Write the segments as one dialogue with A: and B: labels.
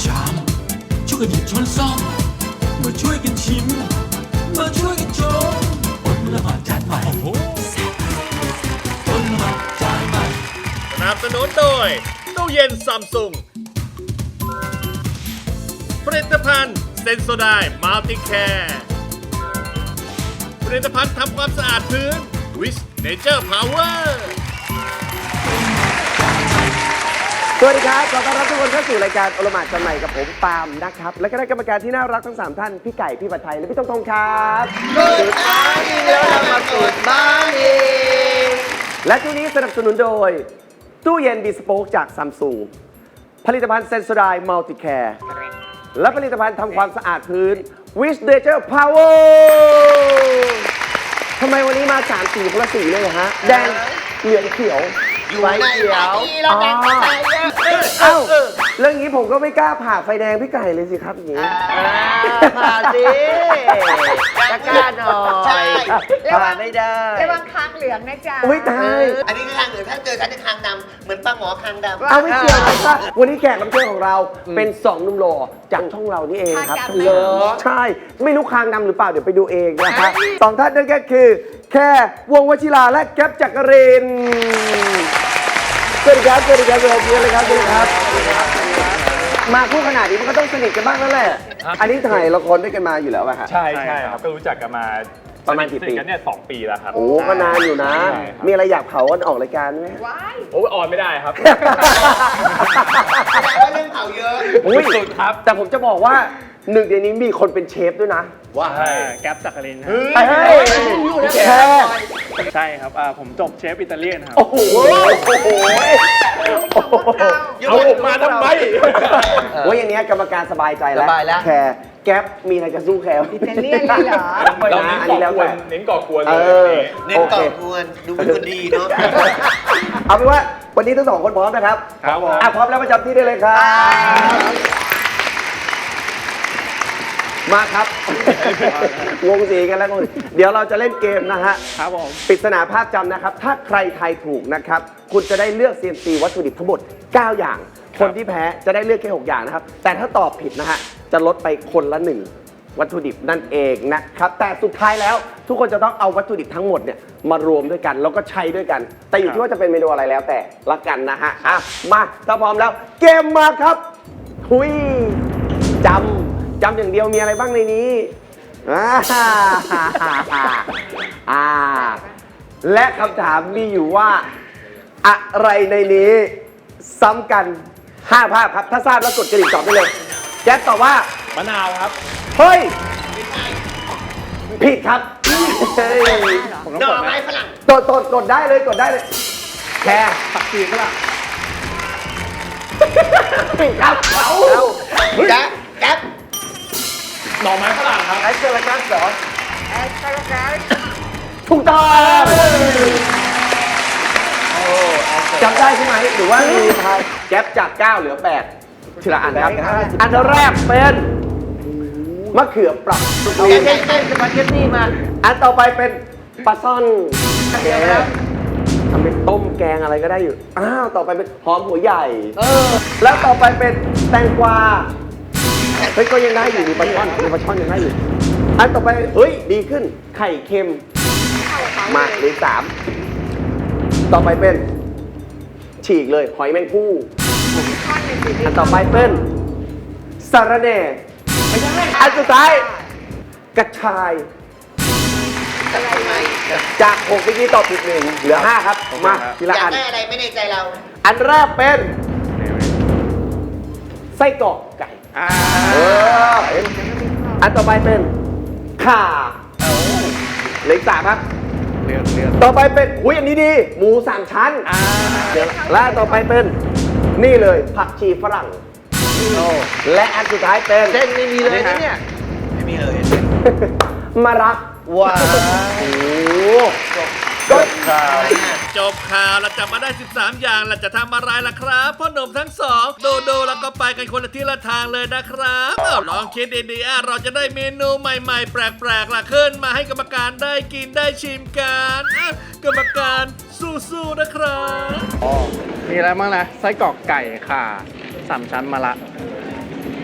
A: ชามช่วยกันหยิบช้อนซ่อมมาช่วยกันชิมมาช่วยกันชมอดละหมาดจานใหม่อดละหมาดจานใหม่
B: สนับสนุนโดยตู้เย็นซัมซุงผลิตภัณฑ์เซนโซไดมัลติแคร์ผลิตภัณฑ์ทำความสะอาดพื้นวิสเนเจอร์พาวเวอร์
C: สวัสดีครับขอต้อนรับทุกคนเข้าสู่รายการโอลหม่านจานใหม่กับผมปาล์มนะครับและคณะกรรมการที่น่ารักทั้ง3ท่านพี่ไก่พี่ผัดไทยและพี่ต้องครับ
D: Good morning แล้วเรามา Good morning
C: และช่วงนี้สนับสนุนโดยตู้เย็นบีสโป๊กจากซัมซุงผลิตภัณฑ์เซนโซไดมัลติแคร์และผลิตภัณฑ์ทำความสะอาดพื้นวิสเนเจอร์พาวเวอร์ทำไมวันนี้มา3 สีคนละสีเลยเหรอฮะแดงเหลืองเขียว
D: อยู่ในปาร์ตี้แล้วแดงไฟเยอะ
C: เอ้าเรื่องนี้ผมก็ไม่กล้าผ่าไฟแดงพี่ไก่เลยสิครับอย่างนี้
D: ผ่าสิจะกล้าหน่อยผ่าไม่ได้
E: ระวังคางเหลืองนะจ๊ะ
C: อุ้ยตาย
D: อันนี้คือคางเหลืองถ้าเจอฉันจะคางดำเหมือนปลาหมอคางดำ
C: เอาไม่เกี่ยวนะครับวันนี้แขกรับเชิญของเราเป็น2หนุ่มหล่อจากช่องเรานี่เองครับ
E: คางดำไหม
C: เหรอใช่ ไม่รู้คางดำหรือเปล่าเดี๋ยวไปดูเองนะครับสองท่านนั่นก็คือ แค่วงวชิราและแก๊ปจักรินทร์สวัสดีครับสวัสดีครับสวัสดีครับสวัสดีครับมาคู่ขนาดนี้มันก็ต้องสนิทกันบ้างแล้วแหละอันนี้ถ่ายละครด้วยกันมาอยู่แล้วป่ะฮะ
F: ใช่ครับก็รู้จักกันมา
C: ประมาณกี่ปี
F: สนิทกันเนี่ย2 ปีแล้วครับ
C: โอ้ก็นานอยู่นะ
F: ใช่ครับ
C: มีอะไรอยากเผากันออกรายการไหม
E: ว้าย
F: โอ้ออนไม่ได้ครับ
D: แสดงว่าเรื่องเผาเยอะ
C: อุ้ย
F: สุดครับ
C: แต่ผมจะบอกว่าหนึ่งในนี้มีคนเป็นเชฟด้วยนะ
F: ว่าแก๊ปจักรินครับ
C: เฮ้ยแค่
F: ใช่ครับผมจบเชฟอิตาเลียนครับ
C: โอ้โหโอ้โห
F: เอาออกมาทำไม
C: ว่าอย่างเนี้ยกรรมการสบายใจแล้ว
D: สบายแล้ว
C: แคร์แก๊ปมีอะไรจะสู้แคร์
E: อิตาเลียนเลยเหรอ
F: เรา
C: นะ
F: เน้น
C: อัน
F: ก่
C: นี้
F: อ
C: แล้ว
F: กวน
C: แต่
F: เน้นก่อกวนเลย
D: เน้นก่อกวนดูเป็นคนดีเนาะ
C: เอาเป็นว่าวันนี้ทั้ง2 คนพร้อมนะครับ
F: ครับผม
C: พร้อมแล้วประจำที่ได้เลยครับ มาครับ วงสีกันแล้ววงสีเดี๋ยวเราจะเล่นเกมนะฮะ
F: ครับผม
C: ปริศนาภาพจำนะครับ ถ้าใครทายถูกนะครับ คุณจะได้เลือก CNC วัตถุดิบทั้งหมด 9 อย่าง คนที่แพ้จะได้เลือกแค่ 6 อย่างนะครับ แต่ถ้าตอบผิดนะฮะ จะลดไปคนละ 1 วัตถุดิบนั่นเองนะครับ แต่สุดท้ายแล้วทุกคนจะต้องเอาวัตถุดิบทั้งหมดเนี่ยมารวมด้วยกันแล้วก็ใช้ด้วยกัน แต่อยู่ที่ว่าจะเป็นเมนูอะไรแล้วแต่ละกันนะฮะอ่ะมาถ้าพร้อมแล้วเกมมาครับทุยจำอย่างเดียวมีอะไรบ้างในนี้และคำถามมีอยู่ว่า อะไรในนี้ซ้ำกัน 5 ภาพครับ ถ้าทราบแล้วกดกระดิ่งตอบได้เลยแจ๊คตอบว่า
F: มะนาวครับ
C: เฮ้ย ผิดครับเฮ้ย
F: ผมต้อง
D: หน่
F: ก
D: อ
F: ดไหม
D: ไม้ฝรั่ง
C: กดได้เลยกดได้เลย แค่
F: ผักชีฝรั่ง
C: ผิดครับเอา
D: แก๊ปแก๊ป
F: หน่อไม้ฝรั่งครับ
C: ไอ้เจอร์กัสเหรอ
E: แอสตราการ์
C: ถูกต้องจำได้ใช่ไหมหรือว่ามีทายแก๊ปจาก 9 เหลือ 8ทีละอันครับ อันแรกเป็นมะเขือเปราะ
D: แก๊ปสปาเกตตี้มา
C: อันต่อไปเป็นปลาซ่อนทำเป็นต้มแกงอะไรก็ได้อยู่ อ้าว ต่อไปเป็นหอมหัวใหญ่ แล้วต่อไปเป็นแตงกวา เฮ้ย ก็ยังได้อยู่มีปลาช่อนยังได้อยู่ อันต่อไป เฮ้ย ดีขึ้น ไข่เค็ม มาเหลือ3ต่อไปเป็น ฉีกเลย หอยแมงภู่ อันต่อไปเป็นสาระแหน่ อันสุดท้าย กระชาย จาก6เมื่อกี้ตอบผิด1เหลือ 5 ครับ มาที
D: อ
C: ละ
D: ยา
C: อั
D: ก
C: น
D: ได้อะไรไม่ในใจเรา
C: อันแรกเป็นไส้กรอกไก่อันต่อไปเป็นข่าเหลืออีก3ครับ
F: เลือก
C: ต่อไปเป็นอุ้ยอันนี้ดี หมู3 ชั้นและต่อไปเป็นนี่เลยผักชีฝรั่งและอันสุดท้ายเป็น
D: เส้นไม่มีเลยนะเนี่ย ไม่มีเลย
C: มะระ
D: ว้าว
C: โอ้โห
D: ก็ข่าว
B: จบข่าวเราจับมาได้ 13 อย่างเราจะทำอะไรล่ะครับพ่อหนุ่มทั้งสองโดแล้วก็ไปกันคนละที่ละทางเลยนะครับลองคิดดีๆเราจะได้เมนูใหม่ๆ แปลกๆล่ะขึ้นมาให้กรรมการได้กินได้ชิมกันกรรมการสู้ๆนะครับ
F: มีอะไรบ้างนะไส้กรอกไก่ข่า3 ชั้นมะระ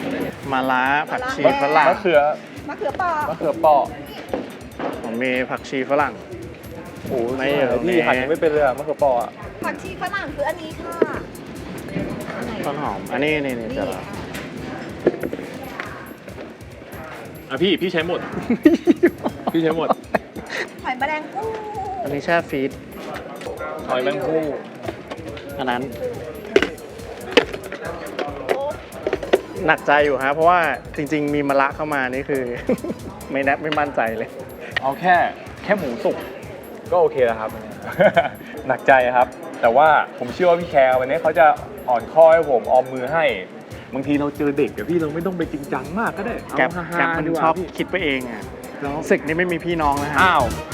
G: มะระผักชีฝรั่ง
F: มะเขือ
E: มะเขือเปราะ
F: มะเขือเปาะ
G: ผมมีผักชีฝรั่ง
F: โอ้โห
G: ไม่
F: นี่
G: เอา
F: พี่หั่นยังไม่เป็นเลยอะมะเขือเปาะอะ
E: ผักชีฝรั่งคืออันนี้ค่ะอันไหน
G: ต้นหอม อันนี้นี่
E: นี่
G: จะ
E: อ่ะ
F: อ่ะพี่ใช้หมด พี่ใช้หมด
E: หอยแมลงภู่
G: อันนี้แช่ฟรีซ
F: หอยแมงภู่
G: อันนั้น หนักใจอยู่ฮะเพราะว่าจริง ๆ มีมะระเข้ามานี่คือ ไม่มั่นใจเลย
F: เอาแค่หมูสุกก็โอเคแล้วครับ หนักใจครับ แต่ว่าผมเชื่อว่าพี่แคร์วันนี้เขาจะอ่อนข้อให้ผมออมมือให้บางทีเราเจอเด็กอะพี่เราไม่ต้องไปจริงจังมากก็ได้เอา
G: แก๊ป
F: ฮา
G: แก๊ป
F: ๆ
G: มัน
F: ดีกว่า
G: ชอบ
F: พี่
G: คิดไปเองอ่ะศึกนี่ไม่มีพี่น้องนะฮะ
F: อ้าว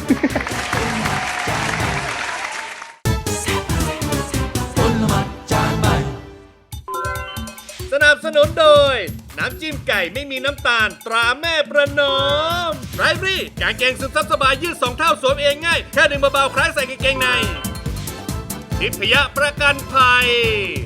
A: ผลไม้จานใหม่
B: สนับสนุนโดย น้ำจิ้มไก่ไม่มีน้ำตาลตราแม่ประนอมไรฟรี่กางเกงซึมซับสบายยืด2 เท่าสวมเองง่าย แค่ดึงเบาๆคล้ายใส่กางเกงในทิพยประกันภัย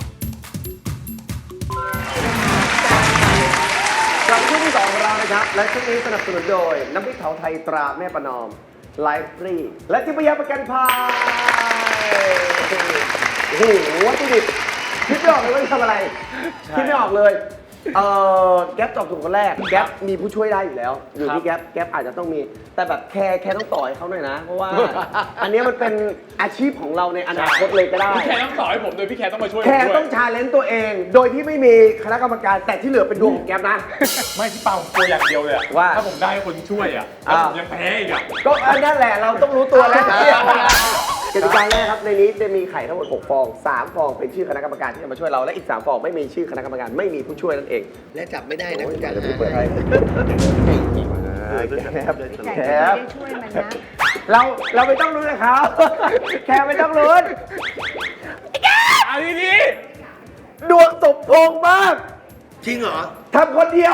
C: กลับมาช่วงที่2ของเรานะครับ และช่วงนี้สนับสนุนโดย น้ำพริกเผาไทยตราแม่ประนอมไลฟ์ฟรีและทิพยประกันภัยโอ้โหวัตถุดิบคิดไม่ออกเลยว่าจะทำอะไร คิดไม่ออกเลยแก๊ปตอบถูกคนแรกแก๊ปมีผู้ช่วยได้อยู่แล้ว อยู่ที่แก๊ปอาจจะต้องมี แต่แบบแคร์ต้องต่อให้เขาหน่อยนะ เพราะว่า อันนี้มันเป็นอาชีพของเราในอนาคตเลยก็ได้
F: พี่แคร์ต้องสอนให้ผมโดยพี่แคร์ต้องมาช่วยผม
C: แคร์
F: ด้ว
C: ต้อย งชาเลนจ์ตัวเอง โดยที่ไม่มีคณะกรรมการแต่ที่เหลือเป็นดวงของแก๊ปนะ
F: ไม่พี่เปาผมกลัวอย่างเดียวเลยอะ
C: ว่า
F: ถ้าผมได้คนช่วยอะแล้วผมยังแพ้อีกอะ
C: ก็อันนั้นแหละเราต้องรู้ตัวแล้วกติกาแรกครับในนี้จะมีไข่ทั้งหมด6ฟอง3ฟองเป็นชื่อคณะกรรมการที่จะมาช่วยเราและอีก3ฟองไม่มีชื่อคณะกรรมการไม่มีผู้ช่วยนั่นเอง
D: และจับไม่ได้นะคุณจัน
C: เดี๋ยวพี่เปิดให้ครับ
E: แต่
C: แค
E: จะไม่
C: บ
E: ได้ช่วยมันนะ
C: เราไม่ต้องรู้นะครับแคร์ไม่ต้องรู้
F: อันนี้
C: ดวงสมพงษ์มาก
D: จริงเหรอ
C: ทำคนเดียว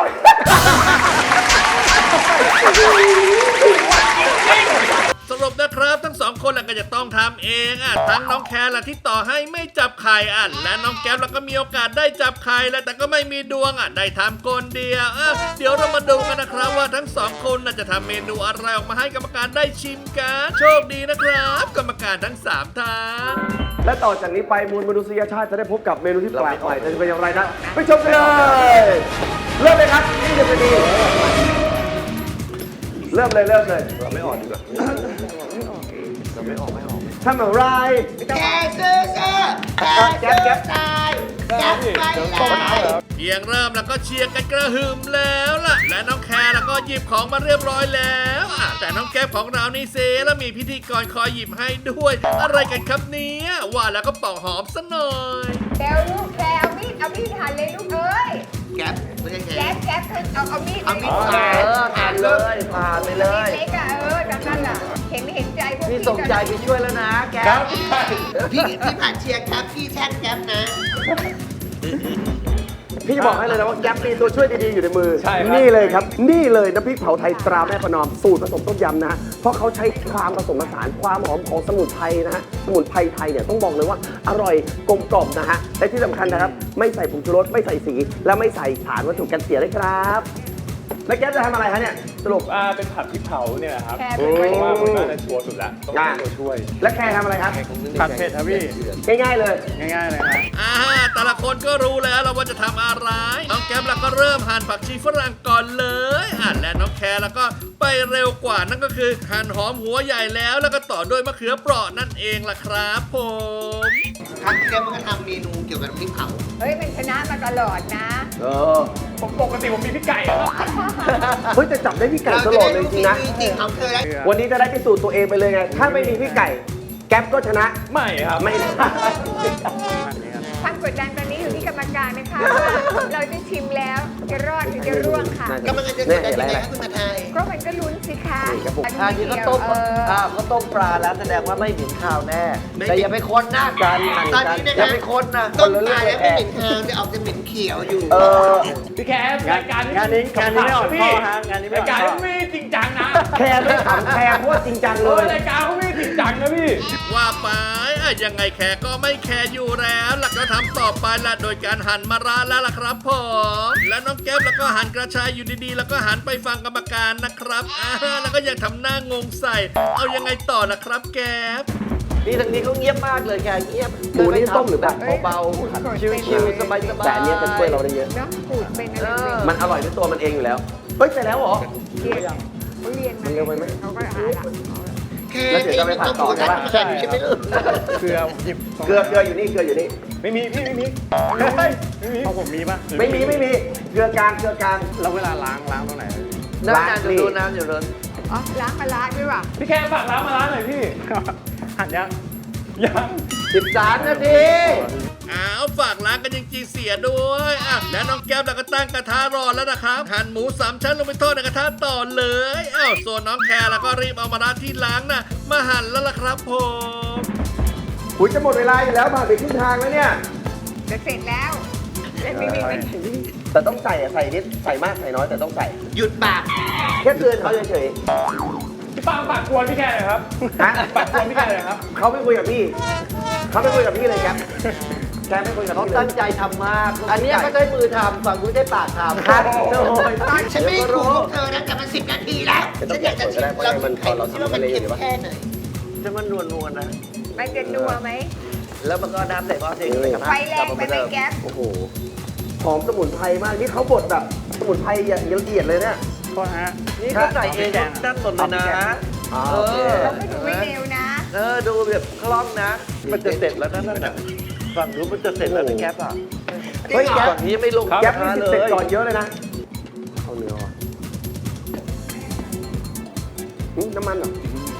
B: สรุปนะครับทั้ง2คนก็จะต้องทำเองทั้งน้องแคร์ที่ต่อให้ไม่จับไข่และน้องแก๊ปก็มีโอกาสได้จับไข่แต่ก็ไม่มีดวงได้ทำคนเดียวเดี๋ยวเรามาดูกันนะครับว่าทั้ง2คนจะทำเมนูอะไรออกมาให้กรรมการได้ชิมกันโชคดีนะครับ กรรมการทั้ง3ท่าน
C: และต่อจากนี้ไปมวลมนุษยชาติจะได้พบกับเมนูที่แปลกใหม่จะเป็นอย่างไรนะไปชมกันเลยเริ่มเลยครับนี่จะเป็นดีเริ่มเลยเราไม่ออกดีกว่าเราไม่ออกทำอะไร
D: แกซื้อแกซื้อตายแกไปเลย
B: เพียงเริ่มแล้วก็เชียร์กันกระหึ่มแล้วล่ะ และน้องแคร์แล้วก็หยิบของมาเรียบร้อยแล้วแต่น้องแก๊ปของเรานี่เซแล้วมีพิธีกรคอยหยิบให้ด้วย อะไรกันครับเนี้ยว่าแล้วก็เป่าหอมซะหน่อย
E: แกวลูกแกเอามีดหั่นเลยลูกเอ้ย
D: แกไม่ใช่แก
E: แก๊ปเอามีด
D: เอามีด
E: หั่น
D: ผ่านเลย
E: เล็กๆจังนั่นล่ะเห็นใจพวก
D: พี่
E: พี่
D: ส่งใจไปช่วยแล้วนะแก
F: ครับ
D: พี่ผ่านเชียร์แกพี่แช่งแกนะ
C: พี่จะบอกให้เลยนะว่าแก๊ปมีตัวช่วยดีๆอยู่ในมือ
F: ใช่ครับ
C: นี่เลยครับ นี่เลยน้ำพริกเผาไทยตราแม่ประนอมสูตรผสมต้มยำนะฮะเพราะเขาใช้ความผสมผสานความหอมของสมุนไพรนะฮะสมุนไพรไทยเนี่ยต้องบอกเลยว่าอร่อยกลมกล่อมนะฮะและที่สำคัญนะครับไม่ใส่ผงชูรสไม่ใส่สี และไม่ใส่สารวัตถุกันเสียเลยครับ แล้วแก๊ปจะทำอะไรคะเนี่ยสรุป
F: เป็นผัดพริกเผาเนี่ยนะครับ
E: แก
C: โอ้
E: เป็น
F: เพ
E: คน
F: ราะว่าผมน่าจะชัวร์สุดแล้วต้องเป็นตัวช่วย
C: และแคร์ทำอะไรครับ
G: ผัดเผ็ดครับพี่
C: ง่ายๆเลย
G: ง่ายๆเลยครับ
B: แต่ละคนก็รู้แล้วว่าจะทำอะไร น้องแก๊ปแล้วก็เริ่มหั่นผักชีฝรั่งก่อนเลยและน้องแคร์แล้วก็ไปเร็วกว่านั่นก็คือหั่นหอมหัวใหญ่แล้วก็ต่อด้วยมะเขือเปราะนั่นเองล่ะครับผม
D: ครั้งแกมันก็ทำเมนูเกี่ยวกับน้ำพริกเผา
E: เฮ้ยมันชนะมาตลอดนะ
F: ปกติผมมีพี่ไก่อะครับ
C: เฮ้ยแต่จับได้พี่ไก่ตลอดเลยจริงนะ
D: จริงของเธอแล้ว
C: วันนี้จะได้พิสูจน์ตัวเองไปเลยไง ถ้าไม่มีพี่ไก่ แก๊ปก็ชนะ
F: ไม่ครับ
C: ไม่ได้
E: ความกดดันตอนนี้อยู่ที่กรรมการนะคะว่าเราจะชิมแล้วจะรอดหรือจะร่วงค่ะ
D: กำลังจะกดดันยังไงครับคุณมาไทย
E: ก็มันก็ลุ้นสิคะ
D: อันนี้ก็ต้มก็ต้มปลาแล้วแสดงว่าไม่เหม็นข้าวแน่ แต่อย่าไปคนนะกันตอนนี้นะอย่าไปคนนะต้มปลาแล้วไม่เหม็นข้าวจะออกจะเหม็นเขียวอยู่
F: พี่แคร์รายการ
G: งานนี้ไม่อ่อนข้อฮะงานนี้ไม่
F: ราย
G: อ่อน
F: การ
G: ข้อ
F: ไม่จริงจังนะ
C: แคร์ไม่ขำแคร์เพราะว่าจริงจังเลย
F: รายการเขาไม่จริงจังนะพี่
B: ว่าไปยังไงแคร์ก็ไม่แคร์อยู่แล้วหลักก็ทำต่อไปละโดยการหั่นมะระแล้วล่ะครับผมและน้องแก๊ปแล้วก็หั่นกระชายอยู่ดีๆ แล้วก็หันไปฟังกรรมการนะครับแล้วก็ยังทำหน้างงใส่ เอายังไงต่อล่ะครับแก๊ป
D: นี่ทางนี้เขาเงียบมากเลยแค่เงียบ
C: หมูนี่ต้มหรือผัด
D: เบาๆชิวๆสบายๆ
C: แต่อันเนี้ยจะช่วยเราได้เยอะ
E: เนาะขูดเป็นอะไรเป็น
C: มันอร่อยด้วยตัวมันเองอยู่แล้ว เฮ้ยเสร็จแล้วเหรอ
E: เรียนเขาเรียน
C: มันเร็วไปไหม
E: เขาก็หาละ
C: แล้วเดี๋ยวจะไปผัดต่อใช่ปะ
D: ใช่ใช่ไหมลูก
G: เกลือผมหยิบ
C: เกลืออยู่นี่เกลืออยู่นี่
F: ไม่มีพี่ไม่มีเฮ้ยไม่มี
G: เอาผมมีปะ
C: ไม่มีเกลือกลาง
G: แล้วเวลาล้างตรงไหน
D: น้ำอยู่ดูน้ำอยู่ดู
E: อ๋อล้างปลาร้าด้วยว่ะ
F: พี่แค่ฝากร้านมาร้านหน่อยพี่
G: หั่นยัง
F: ยัง
D: 13 นาที
B: อ้าวฝากล้างกันจริงๆเสียด้วยแล้วน้องแก้วเราก็ตั้งกระทะรอแล้วนะครับหั่นหมู3ชั้นลงไปทอดในกระทะต่อเลยส่วนน้องแคร์แล้วก็รีบเอามะระที่ล้างน่ะมาหั่นแล้วล่ะครับผม
C: หุยจะหมดเวลาอยู่แล้วผ่านไปครึ่งทางแล้วเนี่ย
E: จะเสร็จแล้วไม่มีไม่ถึง
C: แต่ต้องใส่ใส่นิดใส่มากใส่น้อยแต่ต้องใส่
D: หยุดปาก
C: แค่เตือนเขาเฉย
F: พี่ปังฝากกวนพี่แค่หน่อยครับ
C: ๆฮะ
F: ฝากกวนพี่แค่หน่อยครับ
C: เขาไม่คุยกับพี่เลยแกแกไม่คุยกับ
D: เขา
C: พี่เล
D: ตั้
C: ย
D: งใจทำมาก อันนี้เขาใช้มือทำฝั่งคุณใช้ปากทำ
C: ครับโอ้ย
D: ฉันไม่ถูกเธอนะแต่มัน10 นาทีแล้วฉันอยากจะชิมเราคิดว่ามันเค็มแค่ไหนจะมันนวลๆนะ
E: มันจะนัวไหม
D: แล้วมันก็น้ำใส่ก้อนเองเลยครับ
E: ไฟแรงไปไหมแก๊ป
C: โอ้โหหอมสมุนไพรมากนี่เขาบดแบบสมุนไพรอย่างละเอียดเลยเนี่ย
G: ก็ฮะ
D: นี่เขาใส่เองนั่นหมดเลยนะ
C: โอเค
E: เราไม่ดูไม่เร็วนะ
D: ดูแบบคล่องนะ มันจะเสร็จแล้วนั่นน่ะฝั่งนู้นมันจะเสร็จแล้วนะแก๊ปอ่ะ
C: เฮ้ยแก๊ป
D: ฝั่งนี้ยังไม่ลง
C: แก๊ป
D: กระ
C: นี่
D: ทะ
C: เสร็จ
D: เลย
C: ก่อนเยอะเลยนะเอาเนื้อว่ะน้ำมันเหรอ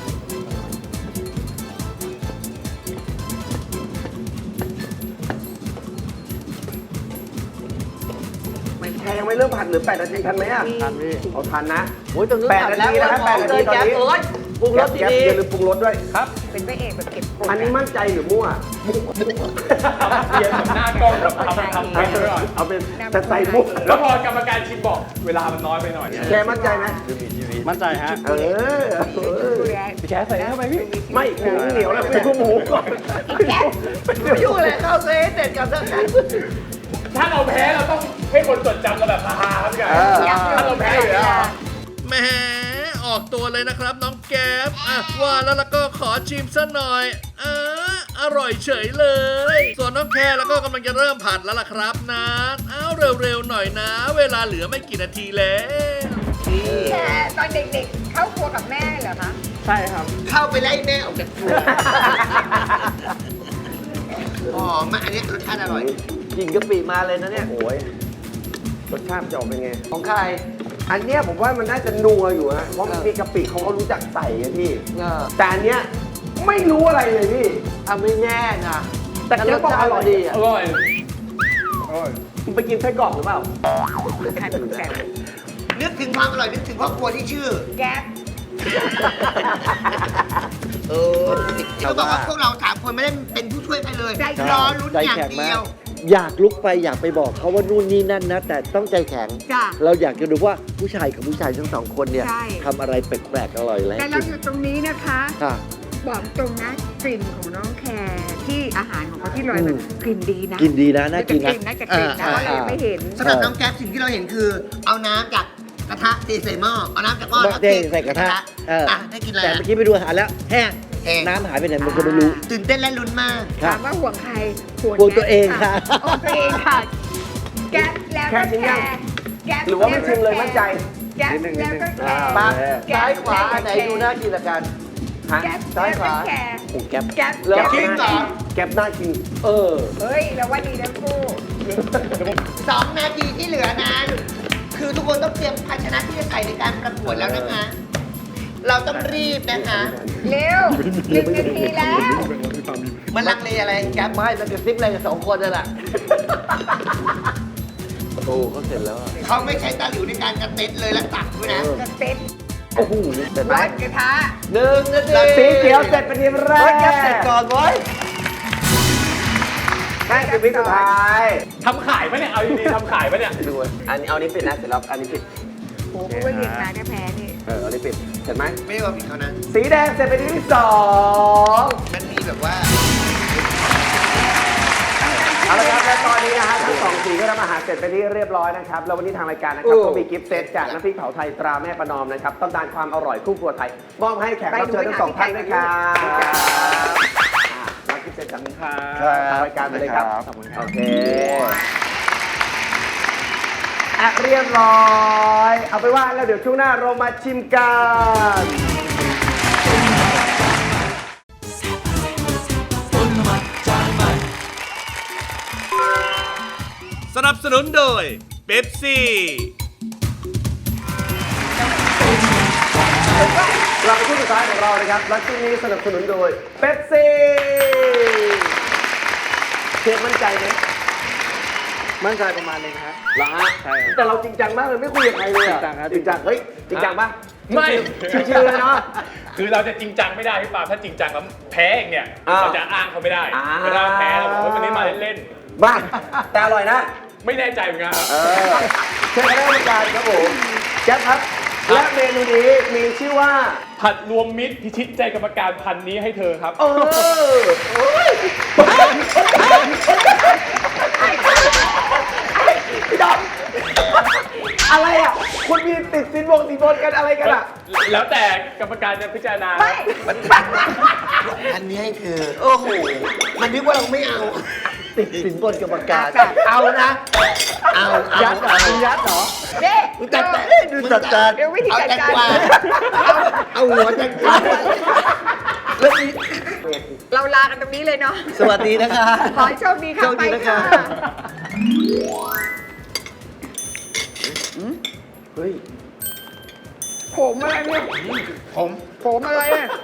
C: แค่ยังไม่เริ่มผัดหรือ8 นาทีทันไหมอ่ะ
G: ทันพี่
C: เอาทันนะ
D: โอ้ยตรงนู้น
C: 8 นาทีนะครับ8 นาทีตอนนี้
D: โอ้ยปรุงรส
C: แก๊ป
D: ดี
C: อย่าลืมปรุงรสด้วย
F: ครับ
E: เป็นพระเอกแบบเก็บกด
C: อันนี้มั่นใจหรือมั่ว
F: เปลี่ยนแบบหน้ากล้องแบบทำไปก่อน
C: เอาเป็นแต่ใส่มุก
F: แล้วพอกรรมการชิมบอกเวลามันน้อยไปหน่อย
C: แกมั่นใจไหม
G: มั่นใจฮะ
C: เออ
F: พี่แค่ใส่เข้าไปพี่
C: ไม่หมูเหนียวแล้วไปดูหมูก่อน
D: ไม่ยุ่งเลยเข้าเซตเสร็จกับเรื่องนั้น
F: ถ้าเราแพ้เราต้องให้คนจดจำเราแบบฮาๆครับพี่ไก่ ถ้าเราแพ้อยู่แล้ว
B: แหมออกตัวเลยนะครับน้องแก๊ปว่าแล้วก็ขอชิมซะหน่อยอร่อยเฉยเลย ส่วนน้องแคร์แล้วก็กำลังจะเริ่มผัดแล้วล่ะครับนะเร็วๆหน่อยนะ เวลาเหลือไม่กี่นาทีแล้ว
E: แค่ตอนเด็กๆ เข้าครัวกับแม่เหรอคะ
G: ใช่ครับ
D: เข้าไปไล่แม่ออกจากครัวอ๋อมาอันนี้รสชาติอร่อยกลิ่นกะปิมาเลยนะเนี่ย
C: โอ้ยรสชาติจะออกเป็นไง
D: ของใคร
C: อันเนี้ยผมว่ามันน่าจะนัวอยู่ฮะเพราะมันมีกะปิเขาก็รู้จักใส่ไงพี่ แต่อันเนี้ยไม่รู้อะไรเลยพี่
D: ไม่แน่นะ
C: แต่แกบอกอร่อย
D: ดีอ่ะ
F: อร่อย
C: คุณไปกินไส้กรอกหรือเปล่า
E: ใครเป็นแฟน
D: นึกถึงความอร่อยนึกถึงครอบครัวที่ชื่อ
E: แก๊ป
D: เขาบอกว่าพวกเรา3 คนไม่ได้เป็นผู้ช่วยใครเลยรอลุ้นอย่างเดียว
H: อยากลุกไปอยากไปบอกเขาว่านู่นนี่นั่นนะ แต่ต้องใจแข็ง
E: จ้ะ
H: เราอยากจะดูว่าผู้ชายกับผู้ชายทั้งสองคนเนี่ย
E: ใช่
H: ทำอะไรแปลกๆอร่อยแล้ว
E: แต่เราอยู่ตรงนี้นะคะ
H: ค่ะ
E: บอกตรงนะกลิ่นของน้องแคร์ที่อาหารของเขาที่ลอยมันกลิ่นดีนะ
H: กินดีนะน่ากินนะ
E: น่าจะกลิ่นนะเพราะเรายังไม่เห็น
D: สำหรับน้องแก๊ปสิ่งที่เราเห็นคือ เอาน้ำจากกระทะตีใส่หม้อเอาน้ำจากหม้อแล้ว
H: เด้ใส่กระทะ
D: ได้กินอะไร
H: แต่เมื่อกี้ไปดูอาหารแล้วแห้ง
D: แห้ง
H: น้ำหายไปไหนมันก็ไม่รู้
D: ตื่นเต้นและลุ้นมาก
H: ค่ะ
E: ถามว่าห่วงใคร
H: ห่วงตัวเองค่ะ
E: ห่วงตัวเองค่ะ แก๊ปแล้วก็
C: แค่ชิมยัง
E: แก๊ป
C: หรือว่าไม่ชิมเลยมั่นใจ
E: แก๊ปแล้วก็แคร์
D: ปาก
E: แก๊ป
D: ซ้ายขวาอันไหนดูน่ากินละกัน
C: ฮะ
E: แก๊ป
D: ซ้ายขวา
E: แก๊ป
C: โอ้แก๊ป
E: แก๊ป
D: เหรอ
E: แก๊ป
D: จริงเหรอ
C: แก๊ปน่ากิน
E: เฮ้ยเราว่าดีทั้งคู่
D: 2 นาทีที่เหลือนั้น คือทุกคนต้องเตรียมภาชนะที่จะใส่ในการประกวดแล้วนะคะ เราต้องรีบนะคะ
E: เร็ว1 นาทีแล้ว
D: มันลังเลอะไรแก๊ปไม่มันกระซิบอะไรกับ2 คนนั่นแหละ
H: โอ้เขาเสร็จแล้วอะ
D: เขาไม่ใช้ตะหลิวในการกระเต็ดเลยและตักด้วยนะ
E: กระเต็ด
C: โอ้โหเสร็จไหม
E: ร้อนกระทะ
D: 1 นาที
C: สีเขียวเสร็จเป็นทีแร
D: เฮ้ย
C: ก
D: แก๊ปเสร็จก่อนเว้ย
C: แค่10 วิสุดท้าย
F: ทำขายปะเนี่ย เอาดีๆทำขายปะเนี่ย
C: ดูอันนี้เอานี้ปิดนะเสร็จแล้วอันนี้ปิด
E: โหเพราะว่าหยิบมาถ้าแพ้นี่
C: เอาเลยปิดเห็นไหม
D: ไม่ได้ว่าผิดเขานะ
C: สีแดงเสร็จเป็นที่สอง
D: มันมีแบบว่า
C: เอาละครับและตอนนี้นะฮะทั้งสองสีก็ทำอาหารเสร็จเป็นที่เรียบร้อยนะครับแล้ววันนี้ทางรายการนะครับก็มีกิฟต์เซตจากน้ำพริกเผาไทยตราแม่ประนอมนะครับตำนานความอร่อยคู่ครัวไทยมอบให้แขกรับเชิญทั้งสองท่านด้วยครับรับกิฟต์เซตจากทางรายการไปเลยครับ
G: ขอบคุณครับ
C: โอเคเรียบร้อยเอาไปนว่าแล้วเดี๋ยวช่วงหน้าเรามาชิมกัน
A: ต้นน้ำมันจานใหม่
B: สนับสนุนโดยเป๊ปซี่
C: กลับมาช่วงสุดท้ายของเรานะครับและช่วงนี้สนับสนุนโดยเป๊ปซี่เชฟมั่นใจไหม
G: มั่นใจประมาณนึงครับ
C: เหรอฮะ
G: ใช่ครับ
C: แต่เราจริงจังมากเลยไม่คุยกับใครเลยอะ
G: จริงจังครับ
C: จริงจังเฮ้ยจริงจังปะ
F: ไม่
C: ชิวๆเลยเนาะ
F: คือเราจะจริงจังไม่ได้พี่ปาล์มถ้าจริงจังแล้วแพ้เองเนี่ย
C: อ่า
F: เราจะอ้างเขาไม่ได้
C: อ่า
F: เวลาแพ้เราบอกว่าวันนี้มาเล่น
C: บ้าแต่อร่อยนะ
F: ๆไม่แน่ใจเหมือนกันครับ
C: เชิญคณะกรรมการครับผมแจ๊คครับและเมนูนี้มีชื่อว่า
F: ผัดรวมมิตรพิชิตใจกรรมการพันนี้ให้เธอครับ
C: โอ้ยพี่ดอมอะไรอ่ะคุณมีติดสินบนกันอะไรกันอ่ะ
F: แล้วแต่กรรมการจะพิจารณา
E: ไม่
D: อันนี้ให้เธอ โอ้โห มันนึกว่าเราไม่เอา
H: ติดสินบนกรรมการ
C: เอานะ
D: เอา
C: ยัดเหรอยัดเหรอ
E: เด้
D: มึงจัดการ
H: ดูจัดการ
E: เดี๋ยววิธี
D: เอา
E: จัด
D: แตง
E: การ
D: กวาเอาหัวแตงกวาแล้วนี่
E: เราลากันตรงนี้เลยเนาะ
H: สวัสดีนะคะ
E: ขอให้โชคดีค่ะ
H: โชค
E: ไป
H: ดีนะคะ
E: ค่ะ
C: เฮ้ย
E: ผมอะไรเนี่ย ผมอะไรอ่ะ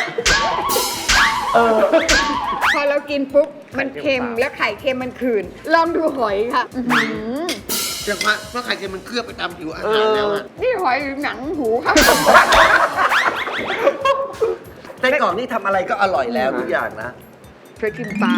E: พอเรากินปุ๊บมันเค็มแล้วไข่เค็มมันคืน ลองดูหอยค่ะอื้อหือ
D: จังหวะเพราะไข่เค็มมันเคลือบไปตามผิวอาหารแล้วอะ
E: นี่หอยหรือหนังหูครับ
H: ไส้กรอกนี่ทำอะไรก็อร่อยแล้วทุกอย่างนะ
E: เคยกินปลา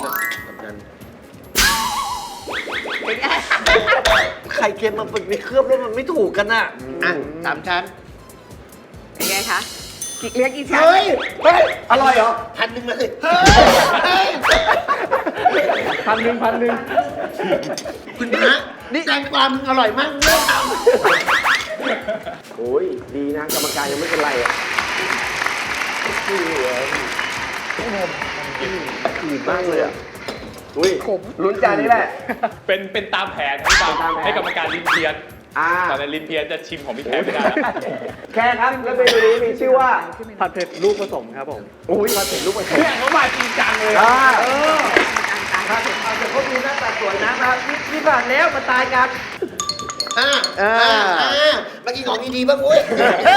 E: เป็นไง
H: ไข่เค็มมันไปเคลือบแล้วมันไม่ถูกกันน่ะ
D: อ่ะสามชั้น
E: เป็นไงคะเรียกอีชั้น
D: เฮ้ย
C: เฮ้ย อร่อยเหรอ
D: พันหนึ่งมาเลยเฮ้ย
F: พันหนึ่ง
D: คุณพระนี่แตงกวามึงอร่อยมากเลิกท
C: โอ้ย ดีนะ กรรมการยังไม่เป็นไรอ่ะขืนมากเลยอ่ะ อุ้ยลุ้นจานนี้แหละ
F: เป็นตามแผนครับพี่ปาล์ม
C: ตามแผน
F: ให้กรรมการลินเพียน
C: อ่า
F: ตอนนั้นลินเพียนจะชิมของพี่แพ้ไม่ได้แล้ว
C: แค่ครับ แล้วเมนูนี้มีชื่อว่า
G: ผัดเผ็ดลูกผสมครับผม
C: อุ้ยมาเสร็จลูกผสม
F: เนี่ยเขามาจริงจังเลย
C: อ่า
H: ครับเอาแต่เขาดูหน้าตาสวยนะครับนี่ผ่านแล้วมาตายกัน
D: ำมากินของดีๆบ้างเว้ย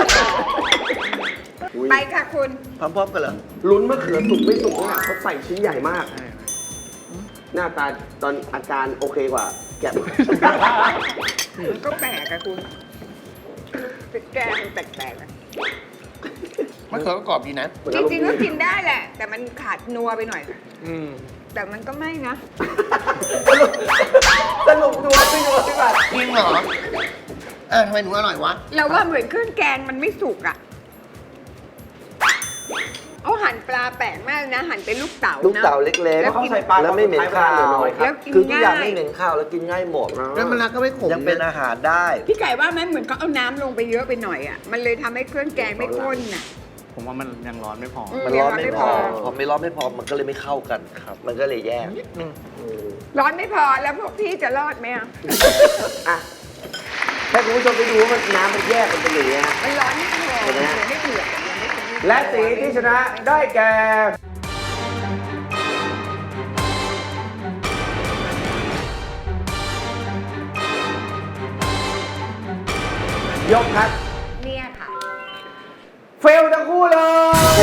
E: ไปค่ะคุณ
H: พร้อมๆกันเหรอ
C: ลุ้นมะเขือสุกไม่สุกเนี่ยเขาใส่ชิ้นใหญ่มาก หน้าตาตอนอาการโอเคกว่า แกะ
E: มันก็แปลกอะคุณเป็นแกงแปลกๆอะ
D: มะเขือก็กรอบดีนะ
E: จริงๆก็กินได้แหละ แต่มันขาดนัวไปหน่อย แต่มันก็ไม่นะ
C: สรุปนัวไม่นัวพี่บัตร
D: จริงเหรอทำไมหนูอร่อยวะ
E: เราว่าเหมือนเครื่องแกงมันไม่สุกอะเอาหั่นปลาแปลกมากนะ หั่นเป็นลูกเต๋านะ
H: ลูกเต๋าเล็ก
E: แล้ว
C: เขา
E: กิน
C: ใส่ปลา
H: ๆ แล้วไม่เหม็นข้าว
E: แล้วกิน
H: คือทุกอย่าง
E: ง่าย
H: ไม่เหม็นข้าวแล้วกินง่ายหมด
D: แล้วมะระก็ไม่ขม
H: ยังเป็น
D: นะ
H: อาหารได้
E: พี่ไก่ว่าไหมเหมือนเขาเอาน้ำลงไปเยอะไปหน่อยอะมันเลยทำให้เครื่องแกงไม่ข้นน่ะ
G: ผมว่ามันยังร้อนไม่พอ
H: มันร้อนไม่พอ พอไม่ร้อนไม่พอมันก็เลยไม่เข้ากันครับ มันก็เลยแย่
E: ร้อนไม่พอแล้วพวกพี่จะรอดไหมอะ
C: อ่ะให้คุณผู้ชมไปดูว่ามันน้ำมันแยกกันเป็นอย่างนี้ฮะ
E: มันร้อนไม่พอ
C: เห็นไหมฮะ
E: ยังไม่เดือดยังไม่ถึง
C: และสีที่ชนะได้แก่ ยกครับ
E: เนี่ยค่ะ
C: เฟลทั้งคู่เลย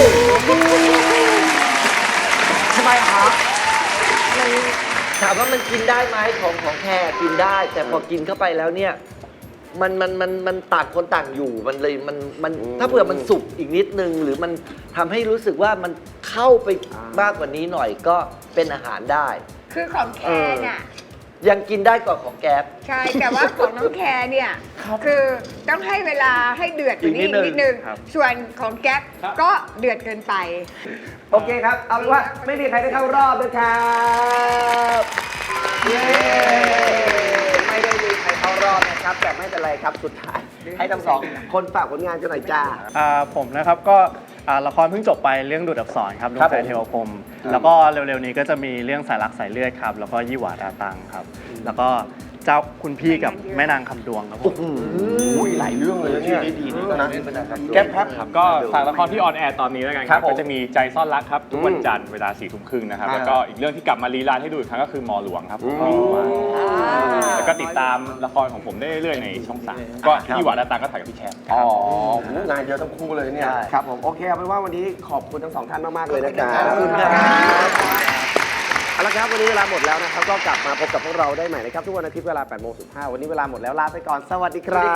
C: ทำไมครับ
H: ถามว่ามันกินได้ไหมของแท้กินได้ แต่พอกินเข้าไปแล้วเนี่ย มันต่างคนต่างอยู่มันเลยมันถ้าเผื่อมันสุกอีกนิดนึง หรือมันทำให้รู้สึกว่ามันเข้าไปมากกว่านี้หน่อยก็เป็นอาหารได้
E: คือของแคนน่ะ
H: ยังกินได้กว่าของแก๊ป
E: ใช่ แต่ว่าของน้องแคร์เนี่ย คือต้องให้เวลาให้เดือดกว่านี้อีกนิดนึง
G: ครับ
E: ส่วนของแก๊ปก็เดือดเกินไป
C: โอเคครับ เอาเป็นว่าไม่มีใครได้เข้ารอบนะครับเย้ไม่ได้มีใครเข้ารอบนะครับ แต่ไม่เป็นไรครับสุดท้ายให้ทั้งสองคนฝากผลงานกันหน่อยจ้า
G: ผมนะครับก็ละครเพิ่งจบไปเรื่องดูดอับสรครับดวงใจเทวพรหมแล้วก็เร็วๆนี้ก็จะมีเรื่องสายรักสายเลือดครับแล้วก็ยี่หวาดาตังครับ แล้วก็เจ้าคุณพี่กับแม่นางคำดวงครับผม
C: อุ้ยหลายเรื่องเลยนะเนี่ยดีๆนะแก๊ปครับ
F: ก็ฝากละครที่ออนแอร์ตอนนี้แล้วกันค
C: ครั
F: รั
C: บบ ผม
F: ก็จะมีใจซ่อนรักครับทุกวันจันทร์เวลา4 ทุ่มครึ่งนะครับ แล้วก็อีกเรื่องที่กลับมารีรันให้ดูอีกครั้งก็คือมอหลวงครับแล้วก็ติดตามละครของผมได้เรื่อยๆในช่อง 3 ก็ที่หวาดาตังก็ถ่ายกับพี่แคม
C: อ๋องานเยอะทั้งคู่เลยเนี่ย ครับผม โอเคเอาเป็นว่าวันนี้ขอบคุณทั้งสองท่านมาก ๆ เลยนะครับ
H: ขอบคุณครับ
C: เอาละครับวันนี้เวลาหมดแล้วนะครับ ก็กลับมาพบกับพวกเราได้ใหม่นะครับ ทุกวันอาทิตย์เวลา 8:15 วันนี้เวลาหมดแล้วลาไปก่อน สวัสดีครับ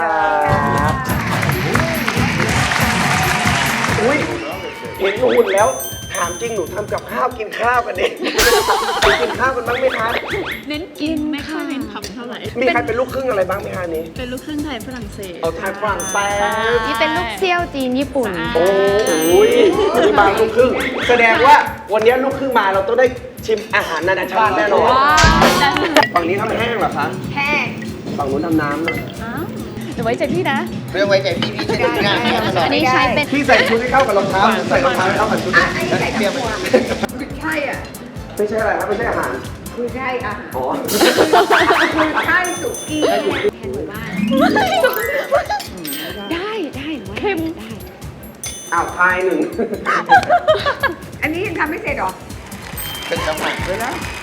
C: อุ้ยเห็นหุ่นแล้ว ถามจริงหนูทำกับข้าวกินข้าวกันเองกินข้าวกันบ้างไหมคะ
I: เน้นกินไม่ค่อยเน้นทำเท่าไหร่
C: มีใครเป็นลูกครึ่งอะไรบ้างไหมคะนี้
I: เป็นลูกครึ่งไทยฝรั่งเศส
C: เอาไทยฝรั่งเศส
J: นี่เป็นลูกเซี่ยวจีนญี่ปุ่น
C: โอ้ยนี่มาลูกครึ่ง แสดงว่าวันนี้ลูกครึ่งมาเราต้องได้ชิมอาหารนานาชาติแน่นอน ฝั่งนี้ทำแห้งเหรอคะ
E: แห้ง
C: ฝั่งนู้นทำน้ำนะ
I: เดี๋ยวไว้ใจพี่นะ
H: เรื่องไว้ใจพี่จะได้งานให้มันหน่อย
J: อันนี้ใช้เป็น
C: พี่ใส่ชุดให้เข้ากับรองเท้าผมใส่รองเท้าให้เข้ากับชุด
E: อ่ะอันนี้ใส่กับหัวคือใช่อ่ะ
C: ไม่ใช่อะไรครับไม่ใช่อาหาร
E: คือใช่อาหาร
C: อ๋อ
E: คือใช่สุกี้
J: ได้เค็มได้
C: อ้าวทายหนึ่ง
E: อันนี้ยังทำไม่เสร็จหรอ
H: เป็นจังหวะ
E: เลยนะ